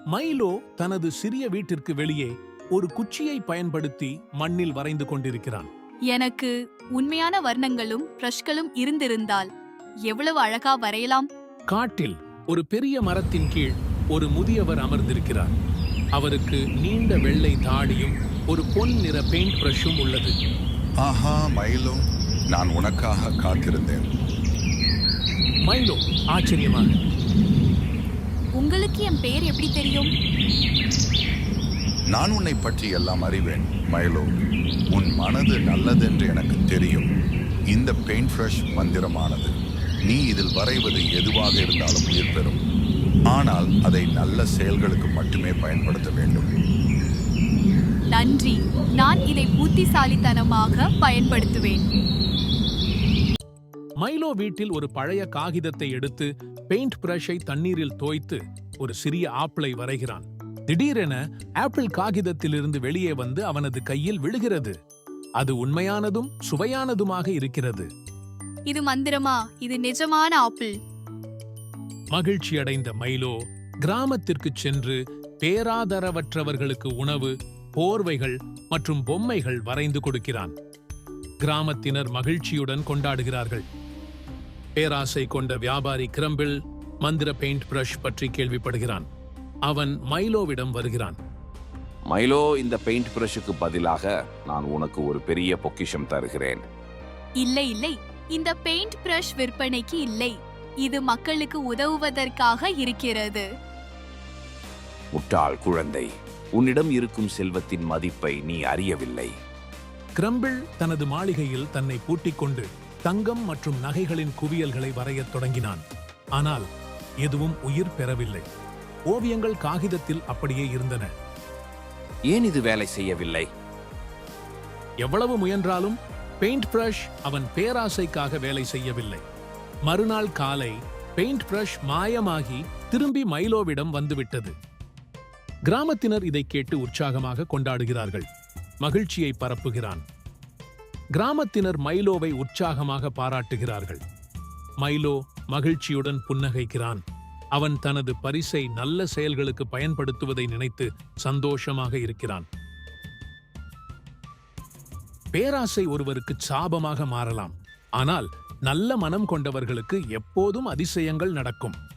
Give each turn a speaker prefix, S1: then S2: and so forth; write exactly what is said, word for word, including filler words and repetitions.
S1: Milo தனது சிறிய வீட்டிற்கு வெளியே ஒரு குச்சியை பயன்படுத்தி மண்ணில் வரைந்து கொண்டிருக்கிறான்.
S2: எனக்கு உண்மையான வர்ணங்களும் பிரஷ்களும் இருந்திருந்தால் எவ்வளவு அழகா வரையலாம்.
S1: காட்டில் ஒரு பெரிய மரத்தின் கீழ் ஒரு முதியவர் அமர்ந்திருக்கிறார். அவருக்கு நீண்ட வெள்ளை தாடியும் ஒரு பொன் நிற பெயிண்ட் பிரஷும் உள்ளது.
S3: ஆஹா மைலோ, நான் உனக்காக காத்திருந்தேன்.
S1: மைலோ ஆச்சரியமாக,
S2: உங்களுக்கு என் பெயர் எப்படி தெரியும்?
S3: நான் உன்னை பற்றி எல்லாம் அறிவேன் மைலோ. உன் மனது நல்லதென்று எனக்கு தெரியும். இந்த பெயிண்ட் பிரஷ் மந்திரமானது. நீ இதில் வரைவது எதுவாக இருந்தாலும் உயிர் பெறும். ஆனால் அதை நல்ல செயல்களுக்கு மட்டுமே பயன்படுத்த வேண்டும்.
S2: நன்றி, நான் இதை புத்திசாலித்தனமாக பயன்படுத்துவேன்.
S1: மைலோ வீட்டில் ஒரு பழைய காகிதத்தை எடுத்து பெயிண்ட் பிரஷை தண்ணீரில் தோய்த்து ஒரு சிறிய ஆப்பிளை வரைகிறான். திடீரென ஆப்பிள் காகிதத்திலிருந்து வெளியே வந்து அவனது கையில் விழுகிறது. அது உண்மையானதும் சுவையானதுமாக இருக்கிறது.
S2: இது மந்திரமா? இது நிஜமான ஆப்பிள்.
S1: மகிழ்ச்சியடைந்த மைலோ கிராமத்திற்கு சென்று பேராதரவற்றவர்களுக்கு உணவு, போர்வைகள் மற்றும் பொம்மைகள் வரைந்து கொடுக்கிறான். கிராமத்தினர் மகிழ்ச்சியுடன் கொண்டாடுகிறார்கள். பேராசை கொண்ட வியாபாரி கிரம்பிள் மந்திர பெயிண்ட் பிரஷ் பற்றி கேள்விப்படுகிறான். அவன் மைலோவிடம் வருகிறான்.
S4: மைலோ, இந்த பெயிண்ட் பிரஷுக்கு பதிலாக நான் உனக்கு ஒரு பெரிய பொக்கிஷம் தருகிறேன்.
S2: இல்லை இல்லை, இந்த பெயிண்ட் பிரஷ் விற்பனைக்கு இல்லை. இது மக்களுக்கு உதவுவதற்காக இருக்கிறது.
S4: முட்டாள் குழந்தை, உன்னிடம் இருக்கும் செல்வத்தின் மதிப்பை நீ அறியவில்லை.
S1: கிரம்பிள் தனது மாளிகையில் தன்னை பூட்டிக் கொண்டு தங்கம் மற்றும் நகைகளின் குவியல்களை வரையத் தொடங்கினான். ஆனால் எதுவும் உயிர் பெறவில்லை. ஓவியங்கள் காகிதத்தில் அப்படியே இருந்தன.
S4: ஏன் இது வேலை செய்யவில்லை?
S1: எவ்வளவு முயன்றாலும் பெயிண்ட் பிரஷ் அவன் பேராசைக்காக வேலை செய்யவில்லை. மறுநாள் காலை பெயிண்ட் பிரஷ் மாயமாகி திரும்பி மைலோவிடம் வந்துவிட்டது. கிராமத்தினர் இதை கேட்டு உற்சாகமாக கொண்டாடுகிறார்கள். மகிழ்ச்சியை பரப்புகிறான். கிராமத்தினர் மைலோவை உற்சாகமாக பாராட்டுகிறார்கள். மைலோ மகிழ்ச்சியுடன் புன்னகைக்கிறான். அவன் தனது பரிசை நல்ல செயல்களுக்கு பயன்படுத்துவதை நினைத்து சந்தோஷமாக இருக்கிறான். பேராசை ஒருவருக்கு சாபமாக மாறலாம். ஆனால் நல்ல மனம் கொண்டவர்களுக்கு எப்போதும் அதிசயங்கள் நடக்கும்.